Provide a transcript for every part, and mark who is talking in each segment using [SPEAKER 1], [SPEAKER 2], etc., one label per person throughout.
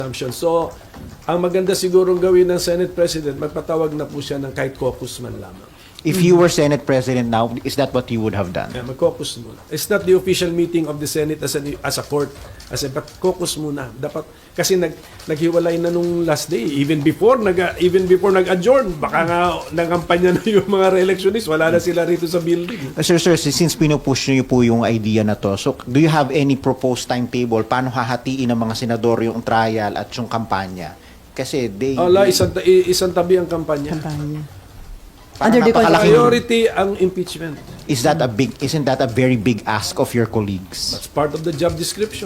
[SPEAKER 1] assumption. So, ang maganda sigurong gawin ng Senate President, magpatawag na po siya ng kahit caucus man lamang.
[SPEAKER 2] If you were Senate President now, is that what you would have done?
[SPEAKER 1] Yeah, mag-caucus muna. It's not the official meeting of the Senate as a court. But caucus muna. Dapat, kasi naghiwalay na nung last day. Even before nag-adjourn, baka nga nangampanya na yung mga re-electionists. Wala na sila rito sa building.
[SPEAKER 2] Sir, since pinupush niyo po yung idea na to, so do you have any proposed timetable? Paano hahatiin ng mga senador yung trial at yung kampanya? Kasi
[SPEAKER 1] isang tabi ang kampanya.
[SPEAKER 2] Under the
[SPEAKER 1] priority ang impeachment.
[SPEAKER 2] Isn't that a very big ask of your colleagues?
[SPEAKER 1] That's part of the job description.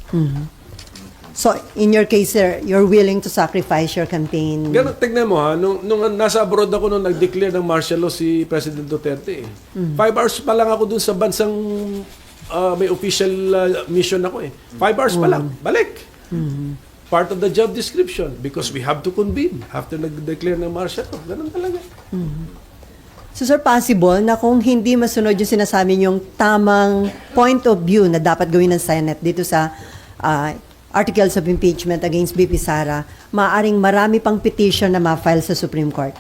[SPEAKER 3] So, in your case, sir, you're willing to sacrifice your campaign?
[SPEAKER 1] Ganun, tignan mo ha, nung nasa abroad ako nung nag-declare ng martial law si President Duterte. 5 hours pa lang ako dun sa bansang may official mission ako eh. 5 hours pa lang, balik. Part of the job description because we have to convene after nag-declare ng martial law. Ganun talaga.
[SPEAKER 3] So, sir, possible na kung hindi masunod yung sinasabi yung tamang point of view na dapat gawin ng Senate dito sa articles of impeachment against BP Sara, maaaring marami pang petition na ma-file sa Supreme Court?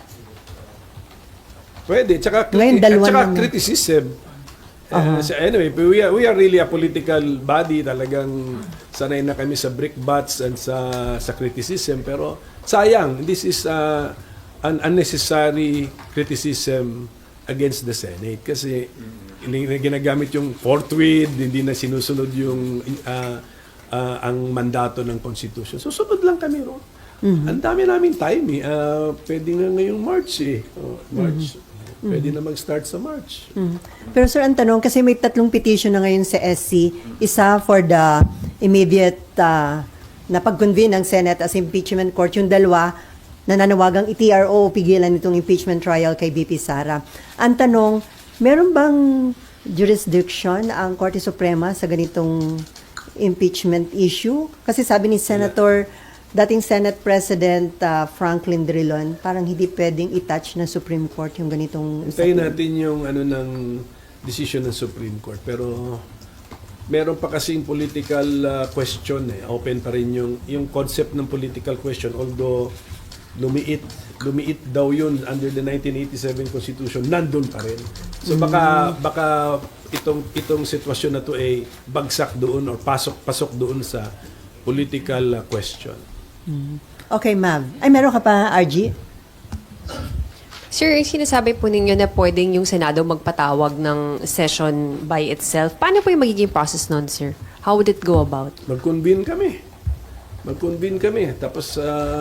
[SPEAKER 1] Pwede. Tsaka criticism. Anyway, we are really a political body. Talagang sanay na kami sa brickbats and sa criticism. Pero sayang, this is an unnecessary criticism against the Senate. Kasi ginagamit yung forthwith, hindi na sinusunod yung ang mandato ng Constitution. Susunod lang kami ron. Ang dami namin time eh. Pwede nga ngayong March eh. March. Pwede na mag-start sa March.
[SPEAKER 3] Pero sir, ang tanong, kasi may 3 petition na ngayon sa SC. Isa for the immediate na pag-convene ng Senate as impeachment court. Yung 2, nananawagang i-TRO o pigilan itong impeachment trial kay BP Sara. Ang tanong, meron bang jurisdiction ang Korte Suprema sa ganitong impeachment issue? Kasi sabi ni dating Senate President Franklin Drilon, parang hindi pwedeng i-touch ng Supreme Court yung ganitong...
[SPEAKER 1] Hintayin natin yung ng decision ng Supreme Court. Pero meron pa kasing political question eh. Open pa rin yung concept ng political question. Although lumiit daw yun under the 1987 Constitution, nandun pa rin. So baka itong sitwasyon na to ay bagsak doon or pasok doon sa political question.
[SPEAKER 3] Okay, ma'am. Ay, meron ka pa, RG?
[SPEAKER 4] Sir, sinasabi po ninyo na pwedeng yung Senado magpatawag ng session by itself. Paano po yung magiging process nun, sir? How would it go about?
[SPEAKER 1] Mag-convene kami. Tapos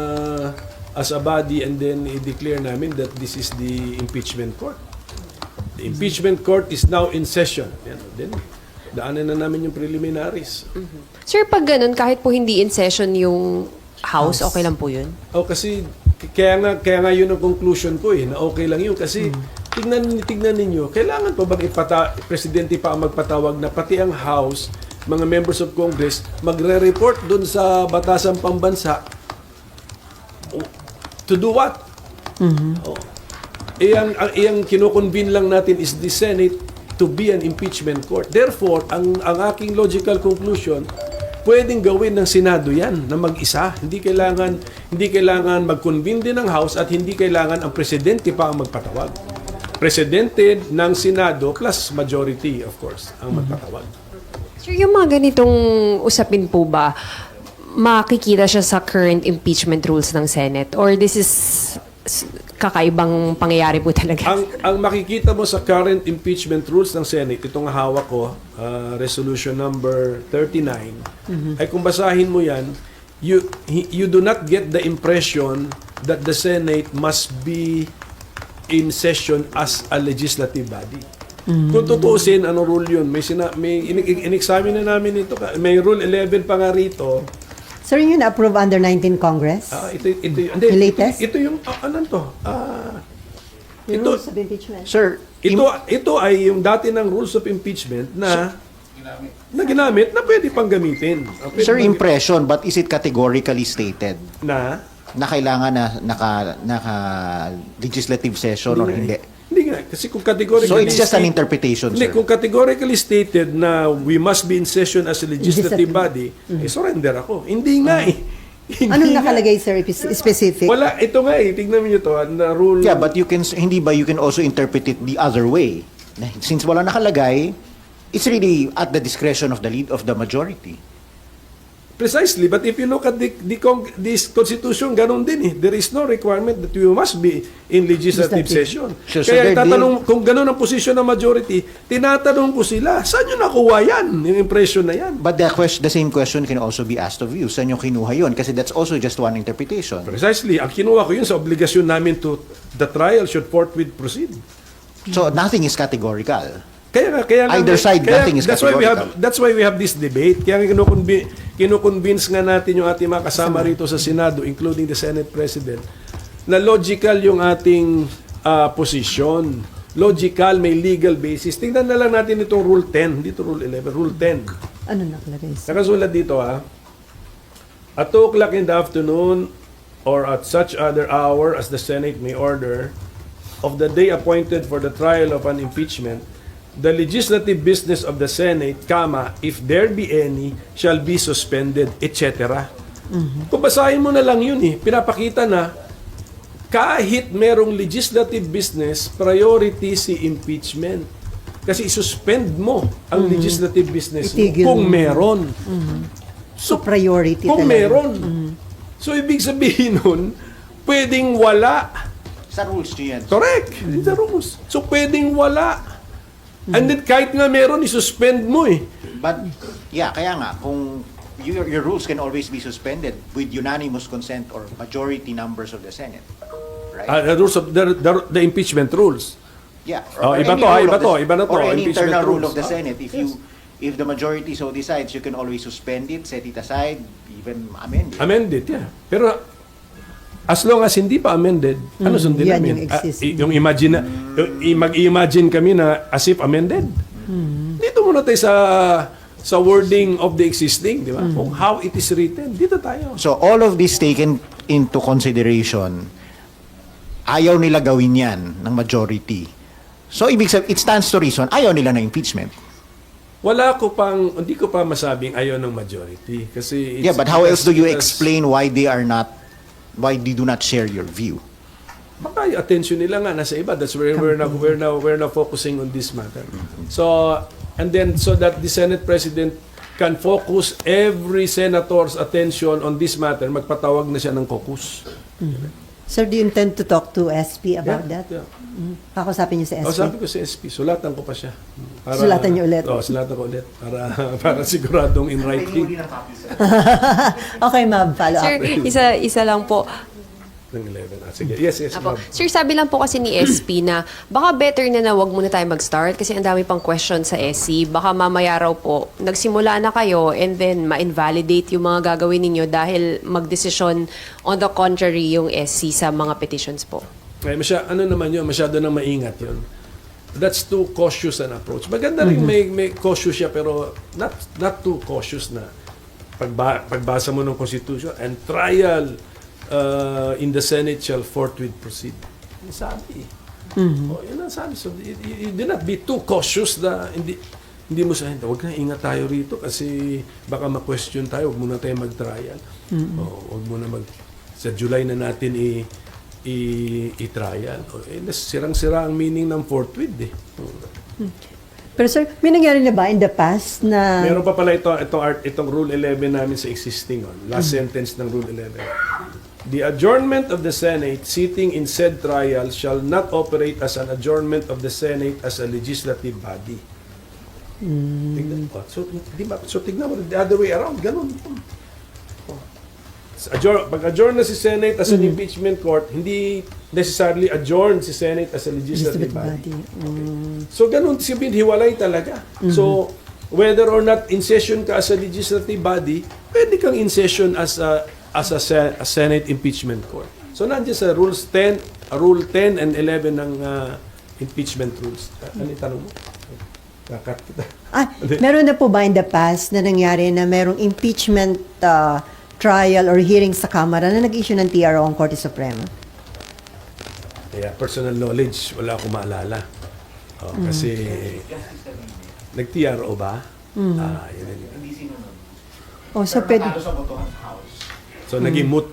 [SPEAKER 1] as a body and then i-declare namin that this is the impeachment court. The impeachment court is now in session. Then daanan na namin yung preliminaries.
[SPEAKER 4] Sir, pag ganun, kahit po hindi in session yung House, okay lang po yun?
[SPEAKER 1] Kasi kaya nga yun ang conclusion ko eh, na okay lang yun. Kasi tignan ninyo, kailangan pa bang presidente pa ang magpatawag na pati ang House, mga members of Congress, magre-report dun sa batasang pambansa. To do what? Ang kinoconvene lang natin is the Senate to be an impeachment court. Therefore, ang aking logical conclusion, pwedeng gawin ng Senado yan na mag-isa. Hindi kailangan mag-convene din ng House at hindi kailangan ang presidente pa ang magpatawag. Presidente ng Senado plus majority, of course, ang magpatawag.
[SPEAKER 4] Sir, yung mga ganitong usapin po ba, makikita siya sa current impeachment rules ng Senate? Or this is kakaibang pangyayari po talaga?
[SPEAKER 1] Ang makikita mo sa current impeachment rules ng Senate, itong hawak ko, resolution number 39, ay kung basahin mo yan, you do not get the impression that the Senate must be in session as a legislative body. Kung tutuusin, ano rule yun? May in-examine na namin ito. May rule 11 pa nga rito.
[SPEAKER 3] Sir, yun na-approve under 19 Congress?
[SPEAKER 1] The
[SPEAKER 3] latest?
[SPEAKER 1] Ito yung, ano to?
[SPEAKER 3] Yung rules of impeachment?
[SPEAKER 2] Sir,
[SPEAKER 1] Ito ay yung dati ng rules of impeachment na ginamit na pwede pang gamitin.
[SPEAKER 2] sir, impression, but is it categorically stated
[SPEAKER 1] na
[SPEAKER 2] kailangan naka legislative session or hindi?
[SPEAKER 1] Hindi nga. Kasi kung categorically...
[SPEAKER 2] So it's just an interpretation,
[SPEAKER 1] Hindi,
[SPEAKER 2] sir?
[SPEAKER 1] kung categorically stated na we must be in session as a legislative body, surrender ako. Hindi nga eh.
[SPEAKER 3] Anong nakalagay, sir, specific?
[SPEAKER 1] Wala, ito nga tignan niyo to, na rule.
[SPEAKER 2] Yeah, but you can hindi ba you can also interpret it the other way. Since wala nakalagay, it's really at the discretion of the lead of the majority.
[SPEAKER 1] Precisely, but if you look at this constitution, ganun din eh. There is no requirement that you must be in legislative session.
[SPEAKER 2] So
[SPEAKER 1] Kaya
[SPEAKER 2] they're
[SPEAKER 1] tatanong, kung ganun ang posisyon ng majority, tinatanong ko sila, saan nyo nakuha yan? Yung impression na yan.
[SPEAKER 2] But the same question can also be asked of you. Saan yung kinuha yun? Kasi that's also just one interpretation.
[SPEAKER 1] Precisely, ang kinuha ko yun sa obligasyon namin to the trial should forthwith proceed.
[SPEAKER 2] So nothing is categorical.
[SPEAKER 1] Kaya
[SPEAKER 2] Either side, nothing is
[SPEAKER 1] that's why we have
[SPEAKER 2] categorical.
[SPEAKER 1] this debate. Kaya kinukonvince nga natin yung ating mga kasama rito sa Senado, including the Senate President, na logical yung ating position. Logical, may legal basis. Tingnan na lang natin itong Rule 10, dito Rule 11, Rule 10.
[SPEAKER 3] Ano nakalagay, sir?
[SPEAKER 1] Nakasulat dito at 2 o'clock in the afternoon or at such other hour as the Senate may order of the day appointed for the trial of an impeachment, the legislative business of the Senate, if there be any, shall be suspended, etc. Kung basahin mo na lang yun pinapakita na kahit merong legislative business, priority si impeachment. Kasi isuspend mo ang legislative business mo
[SPEAKER 3] Itigil
[SPEAKER 1] kung
[SPEAKER 3] mo.
[SPEAKER 1] meron.
[SPEAKER 3] So, priority
[SPEAKER 1] Kung
[SPEAKER 3] talaga.
[SPEAKER 1] meron. So, ibig sabihin nun, pwedeng wala.
[SPEAKER 2] Sa rules nyo yan.
[SPEAKER 1] Correct. The rules. So, pwedeng wala. And then, kahit nga meron, isuspend mo
[SPEAKER 2] But yeah, kaya nga kung your rules can always be suspended with unanimous consent or majority numbers of the Senate. Right?
[SPEAKER 1] The rules of the impeachment rules.
[SPEAKER 2] Yeah.
[SPEAKER 1] Oh, iba
[SPEAKER 2] any
[SPEAKER 1] to,
[SPEAKER 2] rule
[SPEAKER 1] iba
[SPEAKER 2] of
[SPEAKER 1] to,
[SPEAKER 2] the-
[SPEAKER 1] iba na to,
[SPEAKER 2] Or any
[SPEAKER 1] impeachment
[SPEAKER 2] internal rule
[SPEAKER 1] rules.
[SPEAKER 2] of the Senate. If the majority so decides, you can always suspend it, set it aside, even amend it.
[SPEAKER 1] Amended, yeah. Pero, as long as hindi pa amended, ano sundin
[SPEAKER 3] yan
[SPEAKER 1] namin?
[SPEAKER 3] yung existing.
[SPEAKER 1] Yung mag-imagine kami na as if amended. Dito muna tayo sa wording of the existing, di ba? Kung how it is written, dito tayo.
[SPEAKER 2] So all of this taken into consideration, ayaw nila gawin yan ng majority. So ibig sabihin, it stands to reason, ayaw nila ng impeachment.
[SPEAKER 1] Hindi ko pa masabing ayaw ng majority. Kasi
[SPEAKER 2] Yeah, but how else do you
[SPEAKER 1] because-
[SPEAKER 2] explain why they do not share your view?
[SPEAKER 1] Baka yung attention nila nga nasa iba. That's where we're now focusing on this matter. So, and then so that the Senate President can focus every senator's attention on this matter, magpatawag na siya ng caucus.
[SPEAKER 3] Sir, do you intend to talk to SP about
[SPEAKER 1] Yeah,
[SPEAKER 3] that?
[SPEAKER 1] yeah.
[SPEAKER 3] Kakusapin niyo sa SP?
[SPEAKER 1] Sabi ko si SP, sulatan ko pa siya.
[SPEAKER 3] Sulatan niyo ulit?
[SPEAKER 1] Sulatan ko ulit. Para siguradong in writing.
[SPEAKER 3] Okay, ma'am. Follow
[SPEAKER 4] Sir,
[SPEAKER 3] up.
[SPEAKER 4] isa lang po.
[SPEAKER 1] Ng 11. Sige. Yes,
[SPEAKER 4] Apo.
[SPEAKER 1] ma'am.
[SPEAKER 4] Sir, sabi lang po kasi ni SP na baka better na wag muna tayo mag-start kasi ang dami pang question sa SC. Baka mamaya raw po, nagsimula na kayo and then ma-invalidate yung mga gagawin ninyo dahil magdesisyon on the contrary yung SC sa mga petitions po.
[SPEAKER 1] Masyado nang maingat yun. That's too cautious an approach. Maganda rin may cautious siya pero not too cautious na pagbasa mo ng Constitution and trial in the Senate shall forthwith proceed. Yung sabi. Yun ang sabi. So, you do not be too cautious na hindi mo sabihin, huwag na ingat tayo rito kasi baka ma-question tayo, huwag muna tayo mag-trial. Huwag muna sa July na natin i-trial. Sirang-sira ang meaning ng forthwith
[SPEAKER 3] Pero sir, may nangyari na ba in the past na...
[SPEAKER 1] Meron pa pala itong Rule 11 namin sa existing last sentence ng Rule 11. The adjournment of the Senate sitting in said trial shall not operate as an adjournment of the Senate as a legislative body. Tignan mo. So tignan mo, the other way around, ganun. Pag-adjourn na si Senate as an impeachment court, hindi necessarily adjourn si Senate as a legislative body. So ganun, sabihin, hiwalay talaga. So, whether or not in session ka as a legislative body, pwede kang in session as a Senate impeachment court. So, nandiyan sa Rule 10 and 11 ng impeachment rules. Ano yung tanong mo? Kakat kita.
[SPEAKER 3] Meron na po ba in the past na nangyari na merong impeachment trial or hearing sa Kamara na nag-issue ng TRO ang Korte Suprema?
[SPEAKER 1] Kaya personal knowledge, wala akong maalala. Kasi nag-TRO ba? Yun.
[SPEAKER 3] So pwede...
[SPEAKER 1] So naging moot